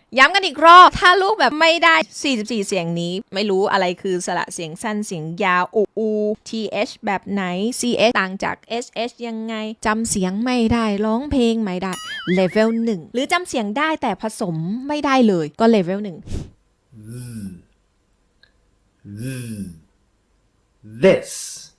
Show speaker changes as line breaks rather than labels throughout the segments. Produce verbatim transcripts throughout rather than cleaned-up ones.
ย้ำกันอีกรอบถ้าลูกแบบไม่ได้สี่สิบสี่เสียงนี้ไม่รู้อะไรคือสระเสียงสั้นเสียงยาวอูอู th แบบไหน ch ต่างจาก sh ยังไงจำเสียงไม่ได้ร้องเพลงไม่ได้ level หนึ่งหรือจำเสียงได้แต่ผสมไม่ได้เลยก็ level หนึ่ง
this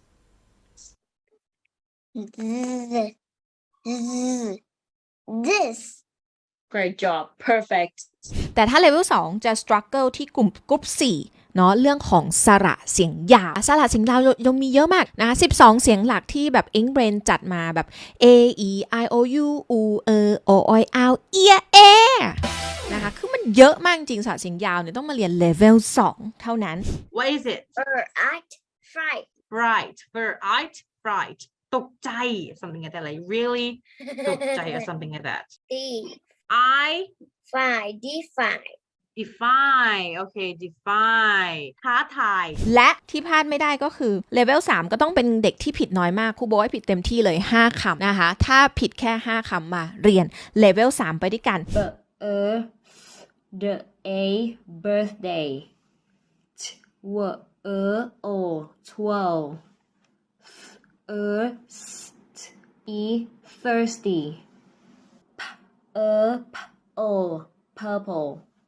Th- th- This.
Great job. Perfect.
แต่ถ้า level สองจะ struggle ที่กลุ่มกลุ่มสี่เนาะเรื่องของสระเสียงยาวสระเสียงยาวยังมีเยอะมากนะคะสิบสองเสียงหลักที่แบบ Ink Brain จัดมาแบบ a e i o u u e o o o เอียเอนะคะคือมันเยอะมากจริงสระเสียงยาวเนี่ยต้องมาเรียน level สองเท่านั้น
What is it?
Fright. Fright.
Fright. Fright. Fright. ตกใจ something like that. Like really ตกใจ or something like that. I
Defy. Defy.
defy. Okay, defy. ท้าทาย
และที่พลาดไม่ได้ก็คือ level สามก็ต้องเป็นเด็กที่ผิดน้อยมากครูบอกให้ผิดเต็มที่เลยห้าคำนะคะถ้าผิดแค่ห้าคำมาเรียน level สามไปด้วยกัน
B er the a birthday. T w er o twelve. Er st e thirsty. P er p o purple.